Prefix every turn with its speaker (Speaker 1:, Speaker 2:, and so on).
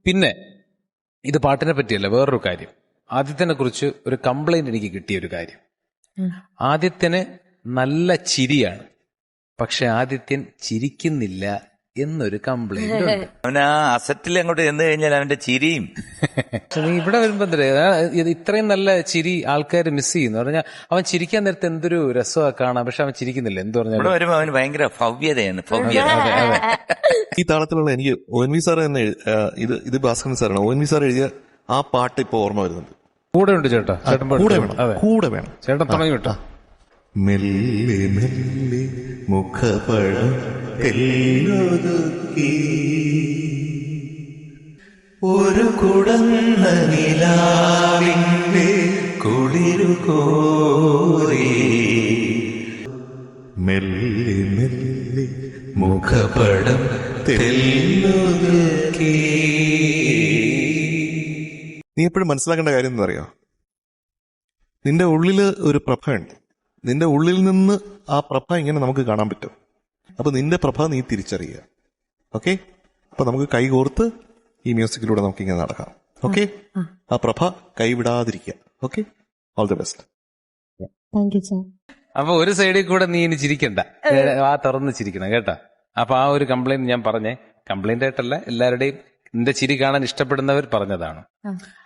Speaker 1: പിന്നെ ഇത് പാട്ടിനെ പറ്റിയല്ല, വേറൊരു കാര്യം. ആദിത്യനെ കുറിച്ച് ഒരു കംപ്ലൈന്റ് എനിക്ക് കിട്ടിയ ഒരു കാര്യം. ആദിത്യന് നല്ല ചിരിയാണ്, പക്ഷെ ആദിത്യൻ ചിരിക്കുന്നില്ല എന്നൊരു കംപ്ലൈന്റ് ഉണ്ട്.
Speaker 2: അവൻ ആ അസറ്റിൽ അങ്ങോട്ട് ചെന്ന് കഴിഞ്ഞാൽ അവന്റെ ചിരിയും
Speaker 1: നീ ഇവിടെ വരുമ്പോ ഇത്രയും നല്ല ചിരി ആൾക്കാർ മിസ് ചെയ്യുന്നു പറഞ്ഞാൽ, അവൻ ചിരിക്കാൻ നേരത്തെ എന്തൊരു രസമാണ് കാണാം, പക്ഷെ അവൻ ചിരിക്കുന്നില്ല. എന്ത് പറഞ്ഞാൽ
Speaker 2: ഇവിടെ വരുമ്പോ അവന് ഭയങ്കര ഭവ്യതയാണ്, ഭവ്യത.
Speaker 3: ഈ താളത്തിലുള്ള എനിക്ക് ONV സാർ തന്നെ ഇത് ഭാസ്കരൻ സാറാണ്. ONV സാർ എഴുതിയ ആ പാട്ട് ഇപ്പൊ ഓർമ്മ വരുന്നുണ്ട്.
Speaker 1: കൂടെ ഉണ്ട് ചേട്ടാ,
Speaker 3: കൂടെ വേണം
Speaker 1: ചേട്ടൻ തുടങ്ങി വിട്ടോ.
Speaker 3: മെല്ലെ മെല്ലെ മുഖപഴം തെല്ലൊതുക്കി ഒരു കുടന്ന നിലാവിന്റെ കുളിരു കോരി, മെല്ലെ മെല്ലെ മുഖപടം തെല്ലൊതുക്കി. നീ എപ്പോഴും മനസ്സിലാക്കേണ്ട കാര്യം എന്താ അറിയോ, നിന്റെ ഉള്ളില് ഒരു പ്രഭയുണ്ട്. നിന്റെ ഉള്ളിൽ നിന്ന് ആ പ്രഭ ഇങ്ങനെ നമുക്ക് കാണാൻ പറ്റും. അപ്പൊ നിന്റെ പ്രഭ നീ തിരിച്ചറിയുക. ഓക്കെ, അപ്പൊ നമുക്ക് കൈകോർത്ത് ഈ മ്യൂസിക്കിലൂടെ നമുക്ക് ഇങ്ങനെ നടക്കാം. ഓക്കെ, ആ പ്രഭ കൈവിടാതിരിക്കുക. Okay, all the best.
Speaker 1: അപ്പൊ ഒരു സൈഡിൽ കൂടെ നീ ഇനി ചിരിക്കണ്ട, ആ തുറന്ന് ചിരിക്കണം കേട്ടാ. അപ്പൊ ആ ഒരു കംപ്ലൈന്റ് ഞാൻ പറഞ്ഞേ, കംപ്ലൈന്റ് ആയിട്ടല്ല, എല്ലാവരുടെയും നിന്റെ ചിരി കാണാൻ ഇഷ്ടപ്പെടുന്നവർ പറഞ്ഞതാണ്.